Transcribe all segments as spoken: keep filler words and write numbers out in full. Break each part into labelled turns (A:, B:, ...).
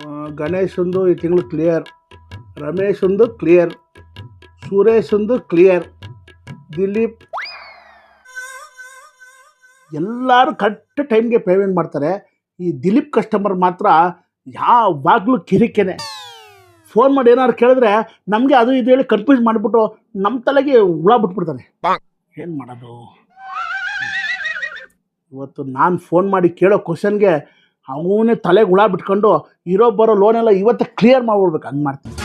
A: ಗಣೇಶಂದು ಈ ತಿಂಗಳು ಕ್ಲಿಯರ್, ರಮೇಶಂದು ಕ್ಲಿಯರ್, ಸುರೇಶಂದು ಕ್ಲಿಯರ್, ದಿಲೀಪ್ ಎಲ್ಲರೂ ಕರೆಕ್ಟ್ ಟೈಮ್ಗೆ ಪೇಮೆಂಟ್ ಮಾಡ್ತಾರೆ. ಈ ದಿಲೀಪ್ ಕಸ್ಟಮರ್ ಮಾತ್ರ ಯಾವಾಗಲೂ ಕಿರಿಕೆನೆ. ಫೋನ್ ಮಾಡಿ ಏನಾದ್ರು ಕೇಳಿದ್ರೆ ನಮಗೆ ಅದು ಇದು ಹೇಳಿ ಕನ್ಫ್ಯೂಸ್ ಮಾಡಿಬಿಟ್ಟು ನಮ್ಮ ತಲೆಗೆ ಹುಳ ಬಿಟ್ಬಿಡ್ತಾನೆ. ಏನು ಮಾಡೋದು? ಇವತ್ತು ನಾನು ಫೋನ್ ಮಾಡಿ ಕೇಳೋ ಕ್ವಶನ್ಗೆ ಅವನೇ ತಲೆಗೆ ಹುಳ ಬಿಟ್ಕೊಂಡು ಇರೋ ಬರೋ ಲೋನೆಲ್ಲ ಇವತ್ತು ಕ್ಲಿಯರ್ ಮಾಡ್ಬಿಡ್ಬೇಕು. ಹಂಗೆ ಮಾಡ್ತೀನಿ.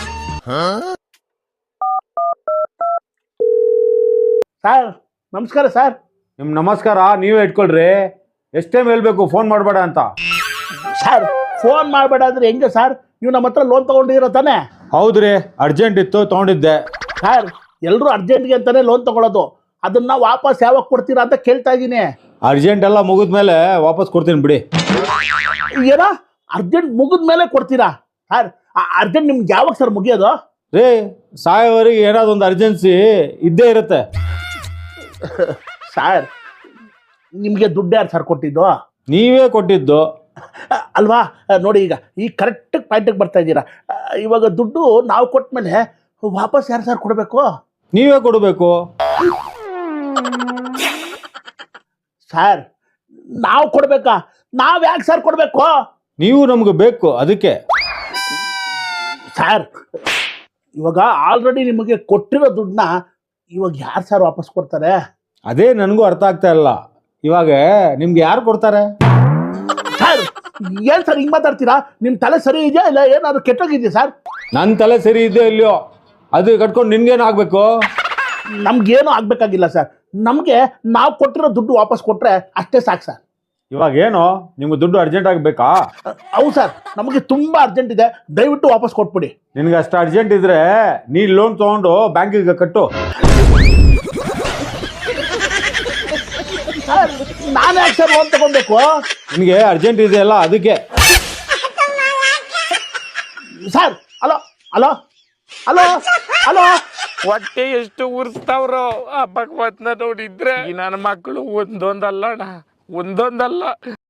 A: ಸರ್ ನಮಸ್ಕಾರ. ಸರ್
B: ನಿಮ್ಮ ನಮಸ್ಕಾರ ನೀವೇ ಇಟ್ಕೊಳ್ರಿ. ಎಷ್ಟು ಟೈಮ್ ಹೇಳ್ಬೇಕು ಫೋನ್ ಮಾಡಬೇಡ ಅಂತ?
A: ಸರ್ ಫೋನ್ ಮಾಡಬೇಡ ಅಂದ್ರೆ ಹೆಂಗೆ ಸರ್? ನೀವು ನಮ್ಮ ಹತ್ರ ಲೋನ್ ತೊಗೊಂಡಿರೋ ತಾನೆ?
B: ಹೌದ್ರಿ, ಅರ್ಜೆಂಟ್ ಇತ್ತು ತೊಗೊಂಡಿದ್ದೆ.
A: ಸರ್ ಎಲ್ಲರೂ ಅರ್ಜೆಂಟ್ಗೆ ಅಂತಾನೆ ಲೋನ್ ತಗೊಳ್ಳೋದು, ಅದನ್ನ ವಾಪಸ್ ಯಾವಾಗ ಕೊಡ್ತೀರಾ ಅಂತ ಕೇಳ್ತಾ ಇದ್ದೀನಿ.
B: ಅರ್ಜೆಂಟ್ ಎಲ್ಲ ಮುಗಿದ್ಮೇಲೆ ವಾಪಸ್ ಕೊಡ್ತೀನಿ ಬಿಡಿ.
A: ಏನೋ ಅರ್ಜೆಂಟ್ ಮುಗಿದ ಮೇಲೆ ಕೊಡ್ತೀರಾ? ಸರ್ ಅರ್ಜೆಂಟ್ ನಿಮ್ಗೆ ಯಾವಾಗ ಸರ್ ಮುಗಿಯೋದು?
B: ರೀ ಸಾಯೋವರೆಗೆ ಏನಾದ್ರು ಒಂದು ಅರ್ಜೆನ್ಸಿ ಇದ್ದೇ ಇರುತ್ತೆ.
A: ಸರ್ ನಿಮಗೆ ದುಡ್ಡು ಯಾರು ಸರ್ ಕೊಟ್ಟಿದ್ದು?
B: ನೀವೇ ಕೊಟ್ಟಿದ್ದು
A: ಅಲ್ವಾ? ನೋಡಿ ಈಗ ಈ ಕರೆಕ್ಟ್ ಪಾಯಿಂಟಿಗೆ ಬರ್ತಾ ಇದ್ದೀರಾ. ಇವಾಗ ದುಡ್ಡು ನಾವು ಕೊಟ್ಟ ಮೇಲೆ ವಾಪಸ್ ಯಾರು ಸರ್ ಕೊಡಬೇಕು?
B: ನೀವೇ ಕೊಡಬೇಕು.
A: ಸರ್ ನಾವು ಕೊಡ್ಬೇಕಾ? ನಾವು ಯಾಕೆ ಸರ್ ಕೊಡಬೇಕು?
B: ನೀವು ನಮ್ಗೆ ಬೇಕು ಅದಕ್ಕೆ.
A: ಸರ್ ಇವಾಗ ಆಲ್ರೆಡಿ ನಿಮಗೆ ಕೊಟ್ಟಿರೋ ದುಡ್ಡನ್ನ ಇವಾಗ ಯಾರು ಸರ್ ವಾಪಸ್ ಕೊಡ್ತಾರೆ?
B: ಅದೇ ನನಗೂ ಅರ್ಥ ಆಗ್ತಾ ಇಲ್ಲ. ಇವಾಗ ನಿಮ್ಗೆ ಯಾರು ಕೊಡ್ತಾರೆ?
A: ಸರ್ ಏನ್ ಸರ್ ಹಿಂಗ್ ಮಾತಾಡ್ತೀರಾ? ನಿಮ್ ತಲೆ ಸರಿ ಇದೆಯಾ ಇಲ್ಲ ಏನಾದ್ರು ಕೆಟ್ಟೋಗಿದ್ಯಾ ಸರ್?
B: ನನ್ನ ತಲೆ ಸರಿ ಇದೆಯೋ ಇಲ್ಲೋ ಅದು ಕಟ್ಕೊಂಡು ನಿನ್ಗೇನು ಆಗ್ಬೇಕು?
A: ನಮ್ಗೇನು ಆಗ್ಬೇಕಾಗಿಲ್ಲ ಸರ್. ನಮ್ಗೆ ನಾವು ಕೊಟ್ಟಿರೋ ದುಡ್ಡು ವಾಪಸ್ ಕೊಟ್ರೆ ಅಷ್ಟೇ ಸಾಕು ಸರ್.
B: ಇವಾಗ ಏನು ನಿಮ್ಗೆ ದುಡ್ಡು ಅರ್ಜೆಂಟ್ ಆಗಬೇಕಾ?
A: ಹೌದು ಸರ್, ನಮಗೆ ತುಂಬಾ ಅರ್ಜೆಂಟ್ ಇದೆ, ದಯವಿಟ್ಟು ವಾಪಸ್ ಕೊಟ್ಬಿಡಿ.
B: ನಿನ್ಗೆ ಅಷ್ಟು ಅರ್ಜೆಂಟ್ ಇದ್ರೆ ನೀ ಲೋನ್ ತಗೊಂಡು ಬ್ಯಾಂಕಿಗೆ ಕಟ್ಟು.
A: ಸರ್ ನಾನು ಯಾಕೆ ಸರ್ ಲೋನ್ ತಗೊಬೇಕು?
B: ನಿನಗೆ ಅರ್ಜೆಂಟ್ ಇದೆಯಲ್ಲ ಅದಕ್ಕೆ.
A: Sir hello hello hello hello
C: ಹೊಟ್ಟೆ ಎಷ್ಟು ಉರ್ಸ್ತಾವ್ರೋ ಆ ಭಗವತ್ನ ನೋಡಿದ್ರೆ. ನನ್ನ ಮಕ್ಕಳು ಒಂದೊಂದಲ್ಲ ಅಣ್ಣ, ಒಂದೊಂದಲ್ಲ.